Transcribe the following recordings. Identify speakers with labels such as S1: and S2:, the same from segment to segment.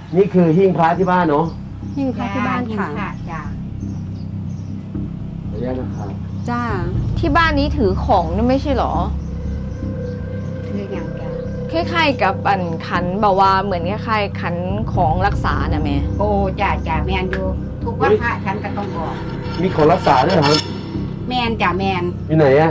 S1: นี่คือหิ้งพระที่บ้านเนาะ
S2: หิ้งพระที่บ้านค่ะ
S3: จ้า
S1: ขออนุญาตนะครับ
S2: จ้า
S4: ที่บ้านนี้ถือของนี่ไม่ใช่เหรอ
S3: คืออย่างจ้า
S4: คล้ายๆกับอันขันแบบว่าเหมือนคล้ายๆขันของรักษาน่ะแม่
S3: โอ้จ้าแมนอยู่ทุกวันพระฉันก็ต้องบอก
S1: มีของรักษาด้วยเหรอครับ
S3: แมนจ้าแมน
S1: อยู่ไหนอะ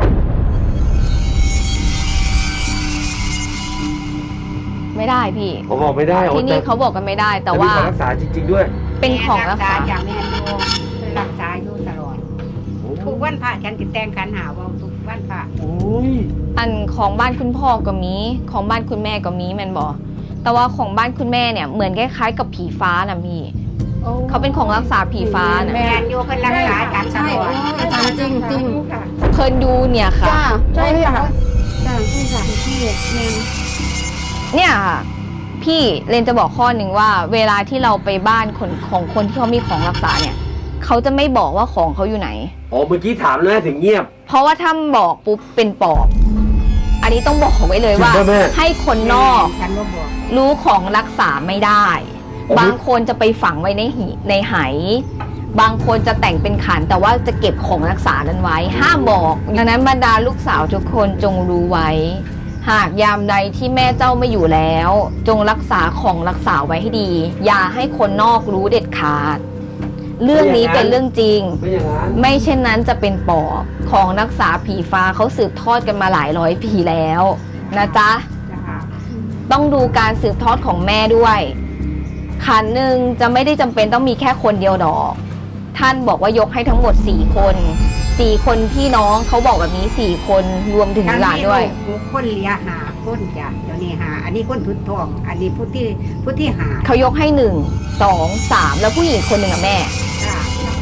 S4: ไม่ได้พี่
S1: ผมบอกไม่ได้
S4: ที่นี่เขาบอกกันไม่ได้ แต่ว่า
S1: มีของรักษาจริง ๆ ด้วย
S4: เป็นของรักษา
S3: จ้าแมนอยู่เป็นรักษาอยู่ตลอดทุกวันพระฉันจะแต่งขันหาว่าทุกวันพระ
S1: โอ้ย
S4: อันของบ้านคุณพ่อก็มีของบ้านคุณแม่ก็มีแมนบอกแต่ว่าของบ้านคุณแม่เนี่ยเหมือนคล้ายๆกับผีฟ้านะพี่เขาเป็นของรักษาผีฟ้านะ
S3: แมนอยู่เป็นรักษาฉันต
S2: ใช่
S3: ลอด
S2: อาจารย์จริงจริง
S3: ค่ะ
S4: เพิ่นดูเนี่ยค่ะ
S2: จ้า
S3: ใช่ค่ะ
S2: จ้าใช่ค่ะพี่แมน
S4: เนี่ยค่ะพี่เรนจะบอกข้อหนึ่งว่า เวลาที่เราไปบ้านคนของคนที่เขามีของรักษาเนี่ยเขาจะไม่บอกว่าของเขาอยู่ไหน
S1: อ๋อเมื่อกี้ถามแล้วถึงเงียบ
S4: เพราะว่าถ้าบอกปุ๊บเป็นปอบ อันนี้ต้องบอกไว้เลยว่า
S1: จริงป่ะแม่
S4: ให้คนนอก
S3: ฉันก็บอก
S4: รู้ของรักษาไม่ได้
S1: อ๋อ
S4: บางคนจะไปฝังไว้ในไหบางคนจะแต่งเป็นขันแต่ว่าจะเก็บของรักษานั้นไว้ ห้ามบอกดังนั้นบรรดาลูกสาวทุกคนจงรู้ไว้ หากยามใดที่แม่เจ้าไม่อยู่แล้ว จงรักษาของรักษาไว้ให้ดี อย่าให้คนนอกรู้เด็ดขาด เรื่องนี้เป็นเรื่องจริง
S1: ไม่อย่างนั้น
S4: ไม่เช่นนั้นจะเป็นปอบของรักษาผีฟ้าเขาสืบทอดกันมาหลายร้อยปีแล้วนะจ๊ะ
S3: จ้า
S4: ต้องดูการสืบทอดของแม่ด้วย ขันหนึ่งจะไม่ได้จำเป็นต้องมีแค่คนเดียวดอก ท่านบอกว่ายกให้ทั้งหมด4 คน4 คนพี่น้องเขาบอกแบบนี้4 คนรวมถึงหลานด้วย
S3: ทุกคนเลี้ยหาคนจ้ะเดี๋ยวนี้หาอันนี้คนทุดทอง อันนี้ผู้ที่หา
S4: เขายกให้1 2 3แล้วผู้หญิงคนหนึ่งอะแม่
S3: จ้า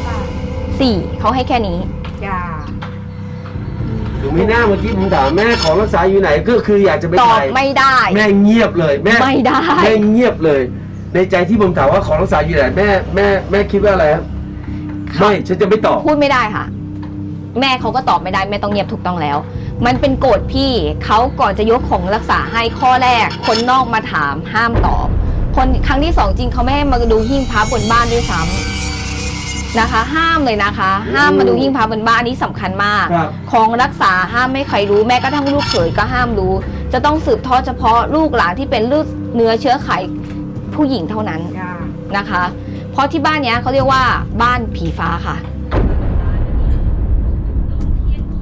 S4: 4เขาให้แค่นี้
S3: จ้า
S1: ดูไม่น่าเมื่อกี้ผมถามแม่ของรักษาอยู่ไหนก็คืออยากจะไป
S4: ตอบ
S1: ถ่าย
S4: ไม่ได้
S1: แม่เงียบเลยแม่
S4: ไม่ได้
S1: แม่เงียบเลย ในใจที่ผมถามว่าของรักษาอยู่ไหนแม่คิดว่าอะไรครับไม่ฉันจะไม่ตอบ
S4: พูดไม่ได้ค่ะ แม่เขาก็ตอบไม่ได้แม่ต้องเงียบถูกต้องแล้ว มันเป็นโกฎพี่เขาก่อนจะยกของรักษาให้ข้อแรก คนนอกมาถามห้ามตอบ คนครั้งที่2จริงเขาไม่ให้มาดูหิ้งพระบนบ้านด้วยซ้ำนะคะ ห้ามเลยนะคะ ห้ามมาดูหิ้งพระบนบ้านอันนี้สำคัญมาก
S1: ครับ
S4: ของรักษาห้ามไม่ใครรู้แม้กระทั่งลูกเขยก็ห้ามรู้ จะต้องสืบทอดเฉพาะลูกหลานที่เป็นลูกเนื้อเชื้อไขผู้หญิงเท่านั้น
S3: จ้า
S4: นะคะ เพราะที่บ้านเนี้ยเขาเรียกว่าบ้านผีฟ้าค่ะ